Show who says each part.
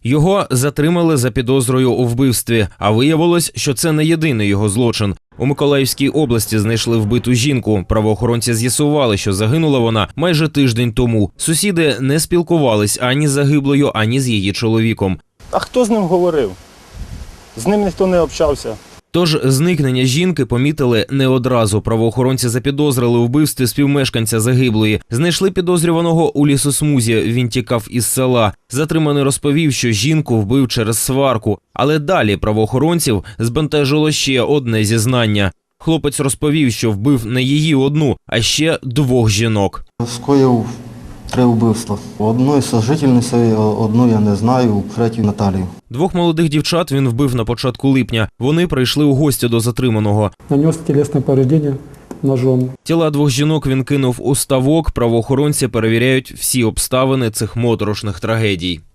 Speaker 1: Його затримали за підозрою у вбивстві, а виявилось, що це не єдиний його злочин. У Миколаївській області знайшли вбиту жінку. Правоохоронці з'ясували, що загинула вона майже тиждень тому. Сусіди не спілкувались ані з загиблою, ані з її чоловіком.
Speaker 2: А хто з ним говорив? З ним ніхто не общався.
Speaker 1: Тож зникнення жінки помітили не одразу. Правоохоронці запідозрили у вбивстві співмешканця загиблої. Знайшли підозрюваного у лісосмузі. Він тікав із села. Затриманий розповів, що жінку вбив через сварку. Але далі правоохоронців збентежило ще одне зізнання. Хлопець розповів, що вбив не її одну, а ще 2 жінок.
Speaker 3: Скоїв 3 вбивства. Одної сожительниці, одну я не знаю, третю Наталію.
Speaker 1: 2 молодих дівчат він вбив на початку липня. Вони прийшли у гості до затриманого.
Speaker 4: Нанес тілесне повреждення ножом.
Speaker 1: Тіла 2 жінок він кинув у ставок. Правоохоронці перевіряють всі обставини цих моторошних трагедій.